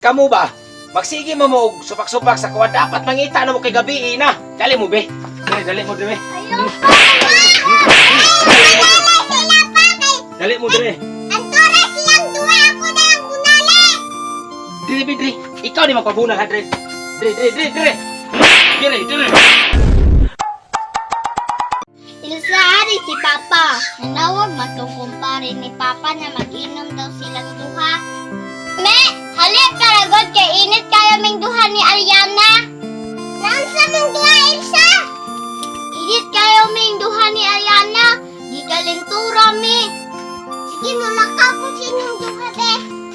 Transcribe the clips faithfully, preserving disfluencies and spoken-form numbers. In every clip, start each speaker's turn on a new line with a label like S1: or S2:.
S1: Kamu ba? Magsige mo mo og supak-supak sa kuwa. Dapat mangita na mo kay gabi na. Dali mo be. Dali, dali mo dire.
S2: Ayaw pa! Ayaw sila pa kay...
S1: Dali mo dire.
S2: Ang tura silang duwa ako na ang gunali!
S1: Dire, be, dire. Ikaw ni magpabunal ha, dire. Dire, dire, dire, dire. Dire, dire.
S2: Ilsahari si Papa. Nanawag matungkumpare ni Papa na mag-inom daw silang duha. Me! Halip karagod kay init kayo ming duha ni Ariana. Naansa mong duha, Elsa? Init kayo ming duha ni Ariana. Di kalintura, me. Sige, mamakaw kung sinong duha, be.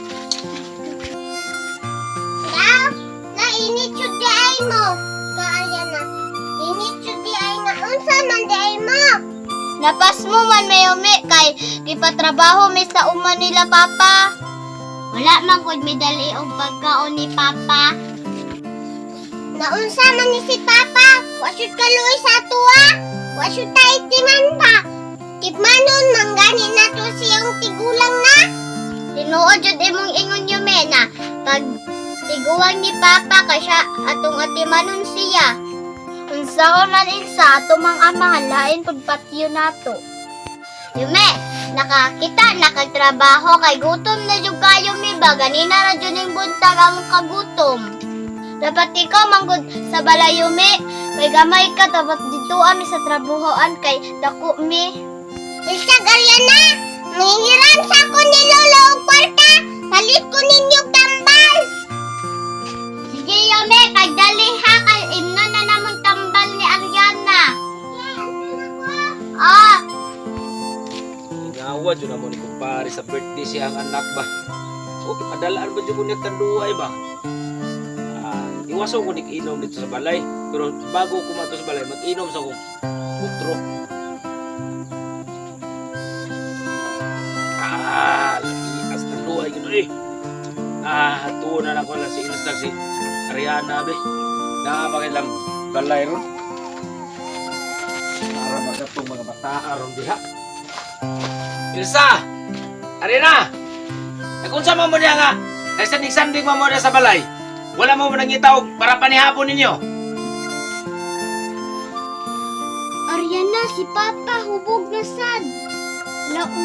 S2: Na, nainit yun di ay mo. Ka, Ariana. Init yun di ay na. Unsa man di ay mo. Napas mo man may umi kay di pa trabaho mi sa uma nila, Papa. Wala man kod medali og pagkaon ni Papa. Naunsa man ni si Papa? Wasud kaluoy sa tuwa. Wasud ta itiman pa. Tipmanon manggani na to siyang tigulang na. Tinuod jud imong ingon yume na pag tiguang ni Papa kay siya atong atimanon siya. Unsa man insa ato mang amahan lain pud patyo nato. Yume, nakakita, nakagtrabaho kay gutom na jud kayo mi ba ganina ra jud ning buntag ang kagutom. Dapat ikaw manggod sa balay Yume, kay gamay ka dapat dito ami sa trabahoan kay dako mi. Isa Ariana, nangihiram sa ko ni Lolo og kwarta, palit ko ninyo tambal. Sige Yume, kay dali ha kay imno na namon tambal ni Ariana. Ah,
S1: Ngawa dyan na mo ni kumpare sa birthday siyang anak ba. O, padalaan ba dyan mo niya kanduay ba? Ah, iwaso ko inom dito sa balay. Pero bago kumato sa balay, mag-inom sa kong putro. Ah, lakias na duay gano'n eh. Ah, tuwa na lang ko lang si Instag si Ariana be. Nakapakit lang balay ron. Para magatong mga bataa ron diha. Ilsa! Arina! Nakunsa mo mo niya nga, nagsanding-sanding mo mo na sa balay. Wala mo mo nangitaw para panihapon ninyo.
S2: Ariana, si Papa hubog na sad. Lau.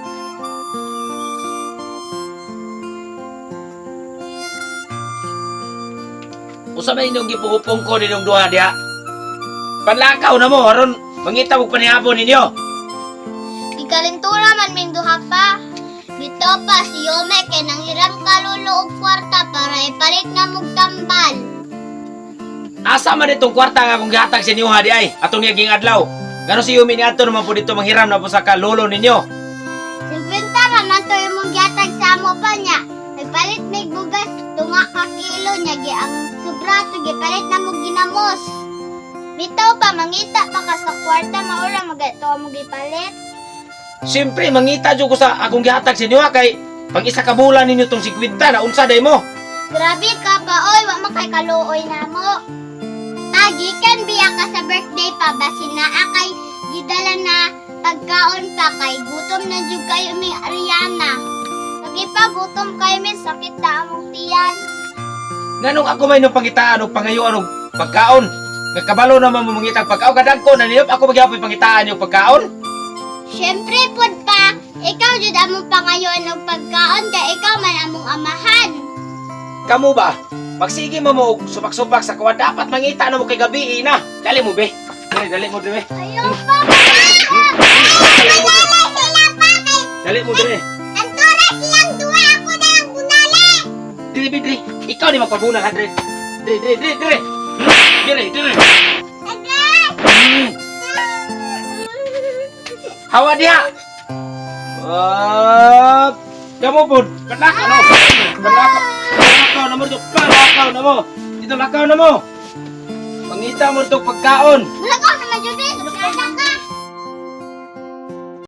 S1: Usa man inyong gipuhupong ko ninyong duha diha. Panlakaw na mo, aron mangitaw og panihapon ninyo.
S2: Kalintura man ming duha pa. Dito pa si Yume kay nanghiram kalulo og kwarta para ipalit na mong tambal.
S1: Asa man itong kwarta nga kung gihatag sa inyo ha di ay, atong niyaging adlaw. Gano si Yumi ni ato naman po dito manghiram na po sa kalolo ninyo.
S2: Simpinta ra man to imong gihatag sa amo pa niya. Nagpalit mig bugas tunga ka kilo niya gi ang sobra to gipalit na mo ginamos. Bitaw pa mangita pa ka sa kwarta maura magato mo gipalit.
S1: Siyempre, mangita dyan ko sa akong gihatag sa inyo ha, kay pag isa ka bulan ninyo itong sikwenta na unsa day mo.
S2: Grabe ka pa, oy, wa man kay kaluoy na mo. Agikan biya ka sa birthday pa, basin na akay gidala na pagkaon pa kay gutom na jud kayo mi Ariana. Lagi pa gutom kayo mi sakit na among tiyan.
S1: Nganong ako may nung pangitaan o pangayuan o pagkaon? Nagkabalo naman mo mangitag pagkaon, kadagko na ninyo, ako magyapoy pangitaan yung pagkaon.
S2: Siyempre pod pa, ikaw jud among pangayon ng pagkaon kay ikaw man among amahan.
S1: Kamu ba? Magsige mo mo og supak-supak sa kuwa. Dapat mangita na mo kay gabi na. Dali mo be. Dali, dali mo dire.
S2: Ayaw pa ba? Manala sila pa kay
S1: Dali mo dire.
S2: ang tura silang duwa ako na ang gunali.
S1: Dili, be, dire. Ikaw ni magpabunal ha, dire. Dire, dire, dire, dire. Dire, dire.
S2: Agay!
S1: Hmm. Hawa diha. Ah, kamu pun penakaw no. Penakaw. Penakaw na mo dito. Penakaw na mo. Dito lakaw na mo. Pangita mo itong pagkaon.
S2: Mulakaw sa majud.